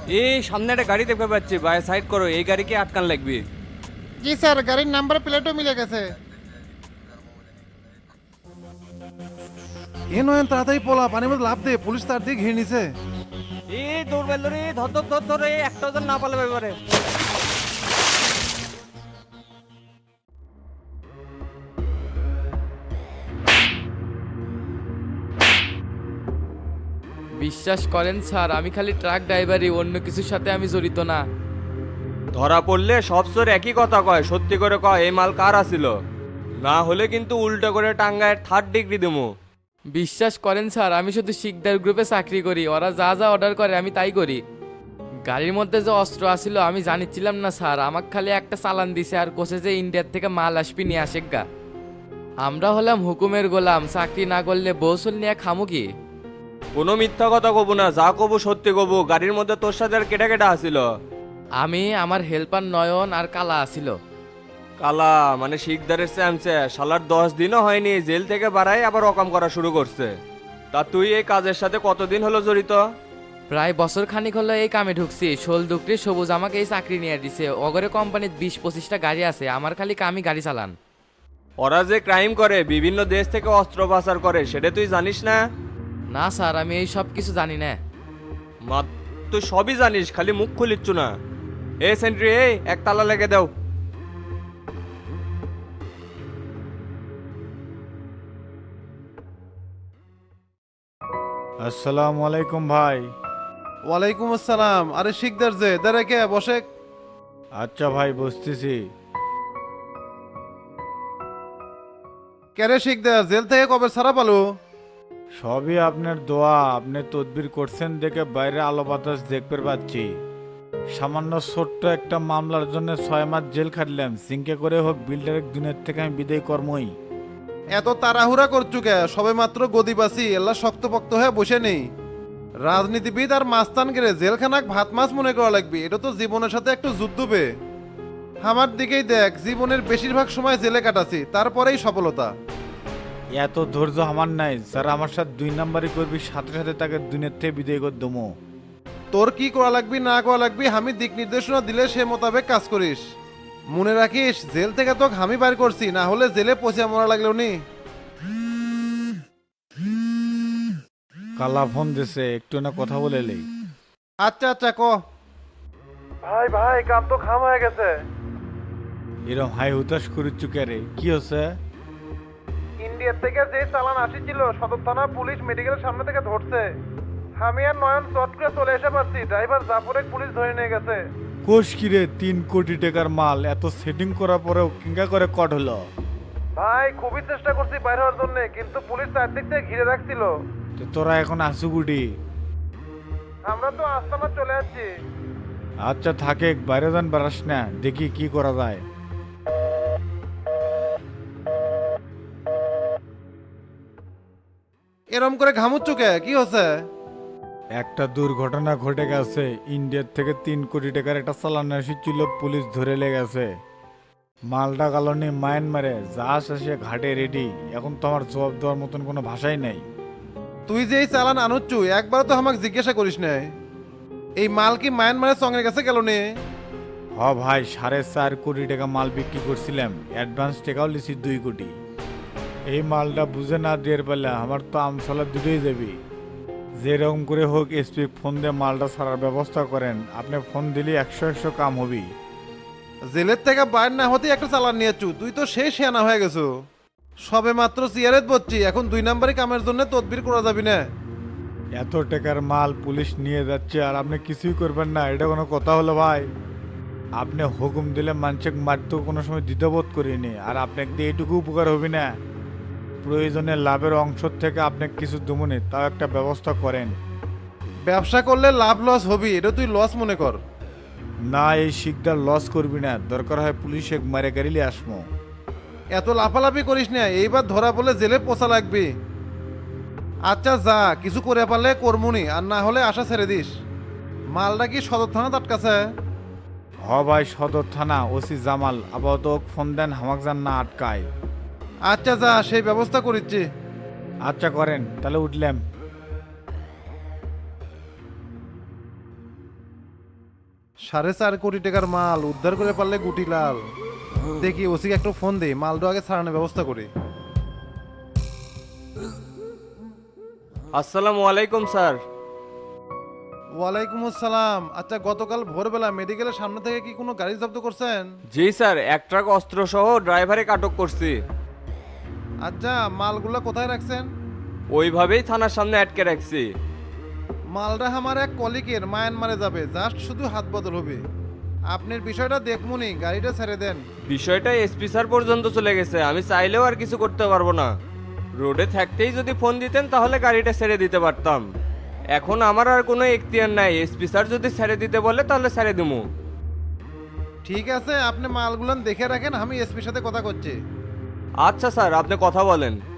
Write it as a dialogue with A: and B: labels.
A: এই সামনে একটা গাড়ি দেখতে পাচ্ছি, ভাই সাইড করো, এই গাড়িকে আটকান লাগবে।
B: জি স্যার, গাড়ির নাম্বার প্লেটও মিলে গেছে।
C: এ নয়ন তাড়াতাড়ি পোলা পানির মধ্যে লাভ দে, পুলিশ তার দিকে ঘিরে নিছে।
A: এই দৌড় বেল রে, ধর ধর ধর ধর, এই একটা ওজন না পালে ব্যাপারে।
D: বিশ্বাস করেন স্যার, আমি খালি ট্রাক ড্রাইভারই, অন্য কিছুর সাথে আমি জড়িত না।
A: ধরা পড়লে সব চোর একই কথা কয়, সত্যি করে কয় এই মাল কার আসিল, না হলে কিন্তু উল্টো করে টাঙ্গায় 3rd ডিগ্রি দেবো।
D: বিশ্বাস করেন স্যার, আমি শুধু শিকদার গ্রুপে চাকরি করি, ওরা যা যা অর্ডার করে আমি তাই করি। গাড়ির মধ্যে যে অস্ত্র আসিল আমি জানিছিলাম না স্যার, আমাকে খালি একটা চালান দিছে আর কোসে যে ইন্ডিয়ার থেকে মাল আসবি নিয়ে আসে গা। আমরা হলাম হুকুমের গোলাম, চাকরি না করলে বৌসল নিয়ে খামু কি?
A: কোনো মিথ্যা কথা কব না, যা কব সত্যি কব। গাড়ির মধ্যে তোর সাথে আর কেটা কেটা আসিল?
D: আমি, আমার হেল্পার নয়ন আর কালা আসিল।
A: কালা মানে শিকদারের চ্যামচে, শালার 10 দিনও হয়নি জেল থেকে বাড়াই আবার অকাম করা শুরু করছে। তা তুই এই কাজের সাথে কতদিন হলো জড়িত?
D: প্রায় বছর খানিক হলো এই কামে ঢুকছি। শোল দুকরি সবুজ আমাকে এই চাকরি নিয়ে দিছে। অগরে কোম্পানির 20-25টা গাড়ি আছে, আমার খালি কামই গাড়ি চালান।
A: ওরা যে ক্রাইম করে, বিভিন্ন দেশ থেকে অস্ত্র পাচার করে, সেটা তুই জানিস না?
D: না স্যার, আমি এই সব কিছু জানি না।
A: মা, তুই সবই জানিস, খালি মুখ খুলিচ্ছু না। এ সেন্ট্রি, এই এক তালা লেগে দাও।
E: আসসালামু আলাইকুম ভাই।
C: ওয়ালাইকুম আসসালাম। আরে শিকদার যে দাঁড়ে কে বসে।
E: আচ্ছা ভাই, বসতেছি।
C: কেরে শিকদার, জেল থেকে কবে ছাড়া পালো?
E: সবই আপনার দোয়া, আপনি তদবির করছেন দেখে বাইরে আলো বাতাস দেখতে পাচ্ছি। সামান্য ছোট্ট একটা মামলার জন্য 6 মাস জেল খাটলাম, সিংকে করে হোক বিল্ডারের দুনিয়ার থেকে আমি বিদায় কর্মই।
C: এত তাড়াহুড়া করছু কে? সবে মাত্র গদিবাসী, এল্লা শক্তপক্ত হয়ে বসে নেই। রাজনীতিবিদ আর মাস্তান গেলে জেলখানাক ভাত মাছ মনে করা লাগবে, এটা তো জীবনের সাথে একটু যুদ্ধ বে। আমার দিকেই দেখ, জীবনের বেশিরভাগ সময় জেলে কাটাছি, তারপরেই সফলতা।
E: এত ধৈর্য আমার নাই, যারা আমার সাথে 2 নাম্বারই করবি সাথে সাথে তাকে দুনিয়ার থেকে বিদায় করে দমো।
C: তোর কি করা লাগবি না করা লাগবি আমি দিক নির্দেশনা দিলে সে মোতাবেক কাজ করিস। মনে রাখিস, জেল থেকে তোকে আমি বাইর করছি, না হলে জেলে পচে মরা লাগলো নি।
E: কালা ফোন দিছে, একটু না কথা বলে লেই।
C: আচ্ছা আচ্ছা ক। ভাই ভাই, কাম তো খাম হয়ে গেছে।
E: এরম হাই হুতাশ করিচ্ছু কে রে, কি হচ্ছে?
C: ইন্ডিয়ার থেকে যে চালান আসিছিল সদর থানা পুলিশ মেডিকেলের সামনে থেকে ধরছে। আমি আর নয়ন চট করে চলে এসে পারছি, ড্রাইভার জাফরে পুলিশ ধরে নিয়ে গেছে।
E: কোষ কিরে, 3 কোটি টাকার মাল এত সেটিং করার পরেও কিঙ্গা করে কট হলো?
C: ভাই খুবই চেষ্টা করছি বাইরে হওয়ার জন্য, কিন্তু পুলিশ চারদিক থেকে ঘিরে রাখছিল।
E: তো তোরা এখন আসু গুটি?
C: আমরা তো আস্তানা চলে যাচ্ছি।
E: আচ্ছা থাকে, বাইরে যান বেড়াস না, দেখি কি করা যায়।
C: এরম করে ঘামুচ্ছ কে, কি হচ্ছে?
E: একটা দুর্ঘটনা ঘটে গেছে। ইন্ডিয়ার থেকে 3 কোটি টাকার একটা চালান এসেছিল, পুলিশ ধরে লেগেছে। মালটা কালনি মায়ানমারে, যা শেষে ঘাটে রেডি। এখন তো আমার জবাব দেওয়ার মতন কোনো ভাষাই নাই।
C: তুই যে এই চালান আনুচ্ছু, একবার তো আমাকে জিজ্ঞাসা করিস নাই। এই মাল কি মায়ানমারের সঙ্গে কাছে গেল নে?
E: হ ভাই, 4.5 কোটি টাকা মাল বিক্রি করছিলাম, অ্যাডভান্স টাকাও লিছি 2 কোটি। এই মালটা বুঝে না দিয়ে পেলে আমার তো আমসালা দুটোই যাবি। যেরকম করে হোক এসপি ফোন দিয়ে মালটা ছাড়ার ব্যবস্থা করেন। আপনি ফোন দিলে 100 কাম হবি।
C: জেলের থেকে বাইর না হতে একটা চালান নিয়েছু, তুই তো সেই শেয়ানা হয়ে গেছো। সবে মাত্র সিয়ারেত বলছি, এখন 2 নাম্বারই কামের জন্য তদবির করা যাবি না।
E: এত টাকার মাল পুলিশ নিয়ে যাচ্ছে আর আপনি কিছুই করবেন না, এটা কোনো কথা হলো ভাই? আপনি হুকুম দিলে মানুষের মারতেও কোনো সময় দ্বিধাবোধ করিনি, আর আপনাকে দিয়ে এইটুকু উপকার হবে না? প্রয়োজনে লাভের অংশ থেকে আপনাকে কিছু দমনে, তাও একটা ব্যবস্থা করেন।
C: ব্যবসা করলে লাভ লস হবি, এটা তুই লস মনে কর।
E: না, এই শিকদার লস করবি না, দরকার হয় পুলিশে মারে গাড়িলে আসমো।
C: এত লাফালাফি করিস না, এইবার ধরা পড়লে জেলে পোষা লাগবে। আচ্ছা যা, কিছু করে পারলে কর্মুনি, আর না হলে আশা ছেড়ে দিস। মালটা কি সদর থানা আটকাছে?
E: হ ভাই, সদর থানা, ওসি জামাল আপাতত ওকে ফোন দেন, হামাক যান না আটকায়।
C: আচ্ছা যা, সেই ব্যবস্থা করিচ্ছি।
E: আচ্ছা করেন, তাহলে উঠলাম।
C: 4.5 কোটি টাকার মাল উদ্ধার করে পারলে গুটি লাল। দেখি ওসিকে একটু ফোন দেই, মালটা আগে ছাড়ানোর ব্যবস্থা করি।
A: আসসালামু আলাইকুম স্যার।
C: ওয়ালাইকুম আসসালাম। আচ্ছা, গতকাল ভোরবেলা মেডিকেলের সামনে থেকে কি কোনো গাড়ি জব্দ করছেন?
A: জি স্যার, এক ট্রাক অস্ত্র সহ ড্রাইভারে আটক করছি।
C: আচ্ছা, মালগুলো কোথায় রাখছেন?
A: ওইভাবেই থানার সামনে আটকে রাখছি।
C: মালটা আমার এক কলিগের মায়ানমারে যাবে, জাস্ট শুধু হাত বদল হবে। আপনার বিষয়টা দেখমুনি, গাড়িটা ছেড়ে দেন।
A: বিষয়টা এসপি স্যার পর্যন্ত চলে গেছে, আমি চাইলেও আর কিছু করতে পারবো না। রোডে থাকতেই যদি ফোন দিতেন তাহলে গাড়িটা ছেড়ে দিতে পারতাম। এখন আমার আর কোনো এখতিয়ার নাই, এসপি স্যার যদি ছেড়ে দিতে বলে তাহলে ছেড়ে দিমু।
C: ঠিক আছে, আপনি মালগুলো দেখে রাখেন, আমি এসপির সাথে কথা করছি।
A: আচ্ছা স্যার, আপনি কথা বলেন।